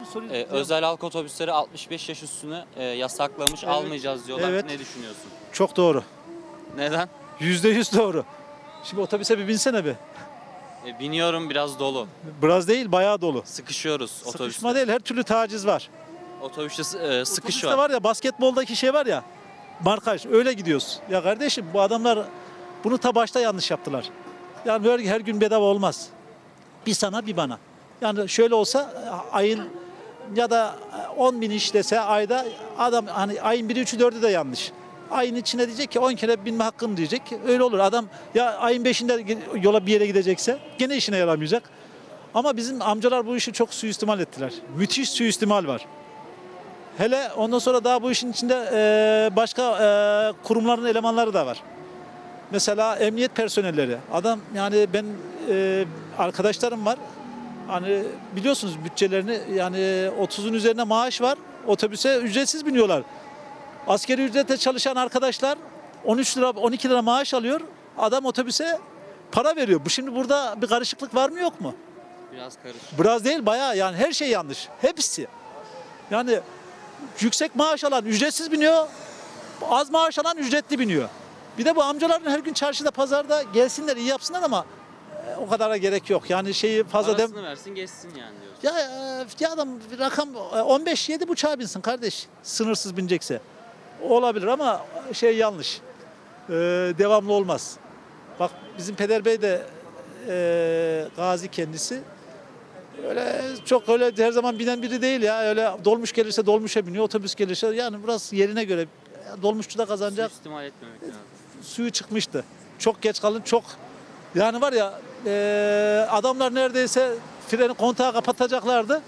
soruyu Özel halk otobüsleri 65 yaş üstünü yasaklamış, Evet. almayacağız diyorlar. Evet. Ne düşünüyorsun? çok doğru. Neden? %100 doğru. Şimdi otobüse bir binsene bir. Biniyorum, biraz dolu. Biraz değil, bayağı dolu. Sıkışıyoruz Sıkışma otobüste. değil, her türlü taciz var. Otobüste sıkış Otobüste var. var ya, basketboldaki şey var ya, markaj, öyle gidiyoruz. Ya kardeşim, bu adamlar bunu ta başta yanlış yaptılar. Yani böyle her gün bedava olmaz. Bir sana bir bana. Yani şöyle olsa ayın ya da 10 bin işlese ayda, adam hani ayın 1'i 3'ü 4'ü de yanlış. Ayın içine diyecek ki 10 kere binme hakkım diyecek. Öyle olur. Adam ya ayın 5'inde yola bir yere gidecekse gene işine yaramayacak. Ama bizim amcalar bu işi çok suistimal ettiler. Müthiş suistimal var. Hele ondan sonra daha bu işin içinde başka kurumların elemanları da var. Mesela emniyet personelleri. Adam yani ben arkadaşlarım var. Hani biliyorsunuz bütçelerini, yani 30'un üzerine maaş var. Otobüse ücretsiz biniyorlar. Asgari ücrete çalışan arkadaşlar 13 lira 12 lira maaş alıyor. Adam otobüse para veriyor. Bu şimdi burada bir karışıklık var mı yok mu? Biraz karışık. Biraz değil, bayağı, yani her şey yanlış. Hepsi. Yani yüksek maaş alan ücretsiz biniyor. Az maaş alan ücretli biniyor. Bir de bu amcaların her gün çarşıda pazarda gelsinler, iyi yapsınlar ama o kadara gerek yok. Yani şeyi fazla Parasını versin, geçsin yani diyorsun. ya adam bir rakam 15 7 buçuğa binsin kardeş. Sınırsız binecekse. Olabilir ama şey yanlış. Devamlı olmaz. Bak bizim Peder Bey de gazi kendisi. Öyle çok öyle her zaman binen biri değil ya. Öyle dolmuş gelirse dolmuşa biniyor, otobüs gelirse, yani burası yerine göre. Dolmuşçu da kazanacak. Suistimal etmemek lazım. Suyu çıkmıştı. Çok geç kalın, çok, yani var ya, adamlar neredeyse freni, kontağı kapatacaklardı.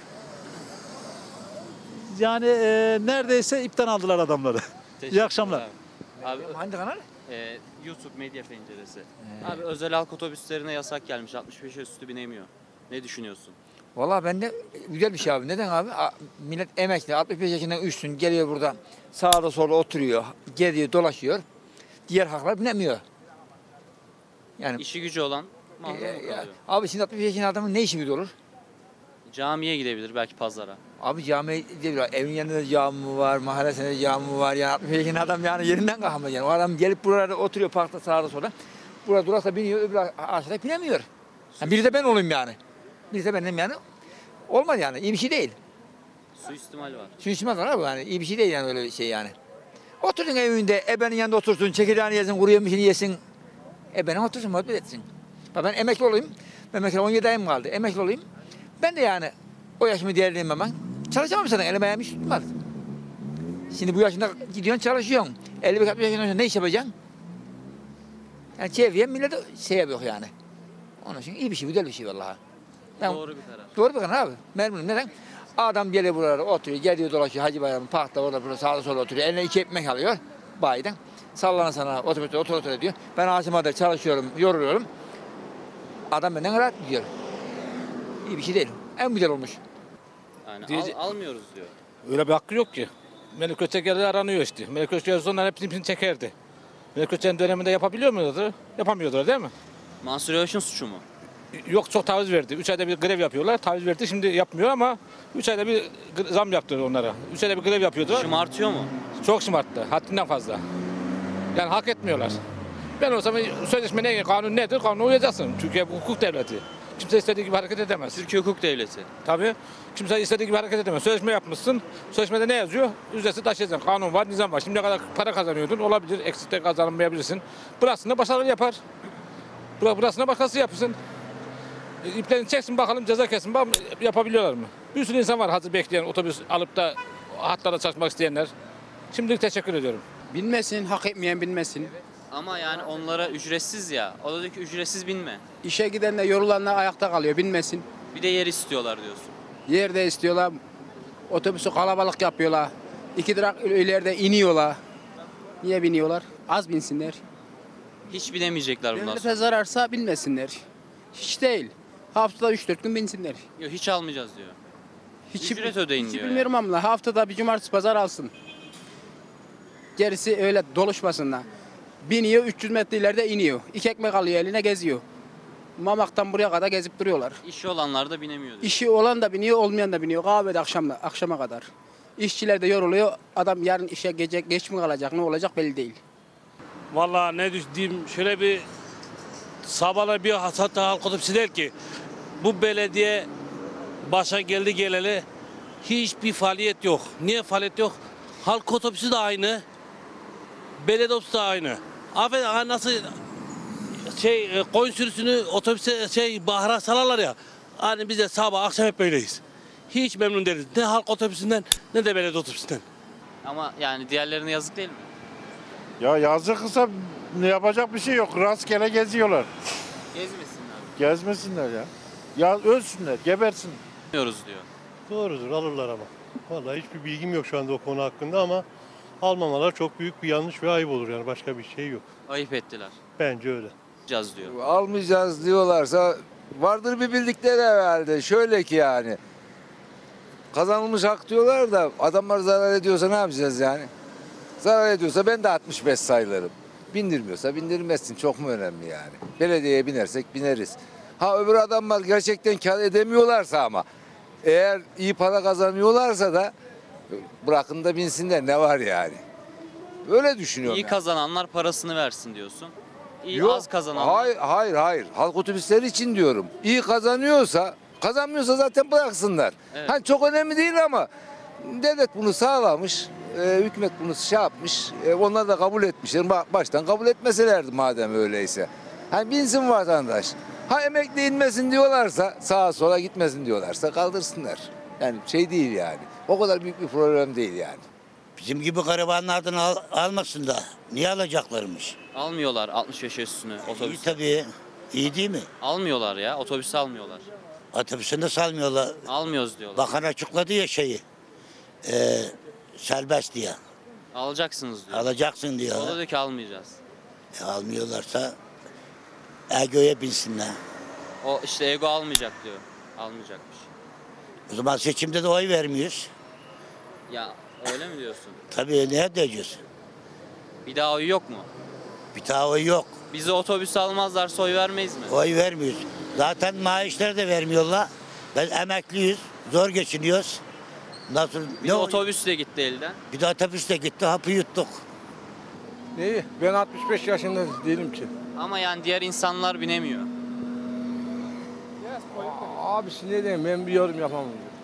Yani neredeyse ipten aldılar adamları. İyi akşamlar. Abi, Hangi kanal? YouTube medya penceresi. Abi özel halk otobüslerine yasak gelmiş. 65 yaş üstü binemiyor. Ne düşünüyorsun? Valla bende güzel bir şey abi. Neden abi? Millet emekli, 65 yaşından üstün geliyor burada. Sağda solda oturuyor, geziyor, dolaşıyor. Diğer halklar binemiyor. Yani İşi gücü olan mahrum kalıyor. abi şimdi 65 yaşında adamın ne işi gücü olur? Camiye gidebilir, belki pazara. Abi cami değil, evin yanında cami var, mahallesinde cami var. Yani 65 yaşında adam yani yerinden kalkamaz yani. O adam gelip buralarda oturuyor parkta sağda solda. Burada durarsa biniyor, öbür aşağıda binemiyor. Yani biri de ben olayım yani. Biri de benim yani. Olmaz yani, iyi bir şey değil. Suistimal var. Suistimal var abi, yani iyi bir şey değil yani, öyle bir şey yani. Otursun evinde, ebenin yanında otursun, çekirdeğini yesin, kuru yemişini yesin. Ebenin otursun, muhabbet etsin. Bak ben emekli olayım, ben mesela 17 ayım kaldı, emekli olayım. Ben de yani o yaşımı değerleyeyim ben. Çalışamam zaten, elim ayağım hiç tutmaz. Şimdi bu yaşında gidiyorsun çalışıyorsun. 55-60 yaşından sonra ne iş yapacaksın? Yani çevreye millete şey yapıyor yani. Onun için iyi bir şey, güzel bir şey vallahi. Ben- Doğru bir karar. Doğru bakın abi. Memnunum. Neden? Adam geliyor buralara oturuyor, geliyor dolaşıyor Hacı Bayram'ın parkta orada burada sağda solda oturuyor. Eline 2 ekmek alıyor bayiden. Sallana sana otobüste otur diyor. Ben Asima'da çalışıyorum, yoruluyorum. Adam benden rahat gidiyor. İyi bir şey değil. En güzel olmuş. Yani Diyece- almıyoruz diyor. Öyle bir hakkı yok ki. Melik Özçeker'de aranıyor işte. Melik Özçeker onların hepsini çekerdi. Melik Özçeker'in döneminde yapabiliyor muydu? Yapamıyordular değil mi? Mansur Yavaş'ın suçu mu? Yok, çok taviz verdi. 3 ayda bir grev yapıyorlar. Taviz verdi, şimdi yapmıyor ama 3 ayda bir zam yaptı onlara. 3 ayda bir grev yapıyordu. Şımartıyor mu? Çok şımarttı. Haddinden fazla. Yani hak etmiyorlar. Ben olsam sözleşme ne, kanun nedir? Kanuna uyacaksın. Türkiye bu hukuk devleti. Kimse istediği gibi hareket edemez. Türkiye hukuk devleti. Tabii. Kimse istediği gibi hareket edemez. Sözleşme yapmışsın. Sözleşmede ne yazıyor? Ücretsiz taşıyacaksın. Kanun var, nizam var. Şimdiye kadar para kazanıyordun. Olabilir. Eksik de kazanmayabilirsin. Burasını başarılı yapar. Burasını başkası yapsın. İplerini çeksin bakalım, ceza kesin. Bakalım yapabiliyorlar mı? Bir sürü insan var hazır bekleyen, otobüs alıp da hatlarda çalışmak isteyenler. Şimdilik teşekkür ediyorum. Binmesin, hak etmeyen binmesin. Ama yani onlara ücretsiz ya. O da diyor ki ücretsiz binme. İşe giden de yorulanlar ayakta kalıyor, binmesin. Bir de yer istiyorlar diyorsun. Yerde istiyorlar, otobüsü kalabalık yapıyorlar. 2 durak ileride iniyorlar. Niye biniyorlar? Az binsinler. Hiç binemeyecekler bundan sonra. Devlete zararsa binmesinler. Hiç değil. Haftada 3-4 gün binsinler. Yok, hiç almayacağız diyor. Hiç, Ücret ödeyin hiç diyor bilmiyorum ama haftada bir cumartesi pazar alsın. Gerisi öyle doluşmasınlar. Biniyor 300 metre ileride iniyor. 2 ekmek alıyor eline geziyor. Mamak'tan buraya kadar gezip duruyorlar. İşi olanlar da binemiyor diyor. İşi olan da biniyor, olmayan da biniyor. Kahvede akşama kadar. İşçiler de yoruluyor. Adam yarın işe geç mi kalacak, ne olacak belli değil. Vallahi ne diyeyim, şöyle bir sabahla bir hatta halk otobüsü der ki bu belediye başa geldi geleli hiçbir faaliyet yok. Niye faaliyet yok? Halk otobüsü de aynı. Belediye otobüsü de aynı. Affedin nasıl koyun sürüsünü otobüse bahara salarlar ya. Hani biz de sabah akşam hep böyleyiz. Hiç memnun değiliz. Ne halk otobüsünden ne de belediye otobüsünden. Ama yani diğerlerine yazık değil mi? Ya yazıksa ne yapacak bir şey yok. Rastgele geziyorlar. Gezmesinler. Gezmesinler ya. Ya ölsünler, gebersin. Bilmiyoruz diyor. Doğrudur, alırlar ama. Vallahi hiçbir bilgim yok şu anda o konu hakkında ama almamalar çok büyük bir yanlış ve ayıp olur yani başka bir şey yok. Ayıp ettiler. Bence öyle. Caz diyor. Almayacağız diyorlarsa vardır bir bildikleri herhalde. Şöyle ki yani kazanılmış hak diyorlar da adamlar zarar ediyorsa ne yapacağız yani? Zarar ediyorsa ben de 65 sayılırım. Bindirmiyorsa bindirmezsin. Çok mu önemli yani? Belediyeye binersek bineriz. Ha öbür adamlar gerçekten kar edemiyorlarsa ama eğer iyi para kazanıyorlarsa da bırakın da binsinler ne var yani? Öyle düşünüyorum. İyi yani. kazananlar parasını versin diyorsun. İyi Yok, az kazananlar. Hayır. Halk otobüsleri için diyorum. İyi kazanmıyorsa zaten bıraksınlar. Evet. Hani çok önemli değil ama devlet bunu sağlamış. Hükümet bunu şey yapmış. Onlar da kabul etmişler. Baştan kabul etmeselerdi madem öyleyse. Hani binsin vatandaş. Ha emekli inmesin diyorlarsa, sağa sola gitmesin diyorlarsa kaldırsınlar. Yani şey değil yani. O kadar büyük bir problem değil yani. Bizim gibi garibanlardan almasın da. Niye alacaklarmış? Almıyorlar 65 yaş üstünü İyi otobüs. tabii. İyi değil mi? Almıyorlar ya. Otobüsü almıyorlar. Otobüsünde salmıyorlar. Almıyoruz diyorlar. Bakan açıkladı ya serbest diye. Alacaksınız diyor. Alacaksın O da diyor. diyor ki almayacağız. Almıyorlarsa Ego'ya binsinler. O işte ego almayacak diyor. Almayacakmış. O zaman seçimde de oy vermiyoruz. Ya öyle mi diyorsun? Tabii ne diyeceğiz? Bir daha oy yok mu? Bir daha oy yok. Bizi otobüs almazlarsa oy vermeyiz mi? Oy vermiyoruz. Zaten maaşları da vermiyorlar. Ben emekliyiz. Zor geçiniyoruz. Nasıl? Bir de otobüs de gitti elden. Bir de otobüste gitti. Hapı yuttuk. Neyi? Ben 65 yaşında değilim ki. Ama yani diğer insanlar binemiyor. Abi ne diyeyim ben bir yorum yapamam.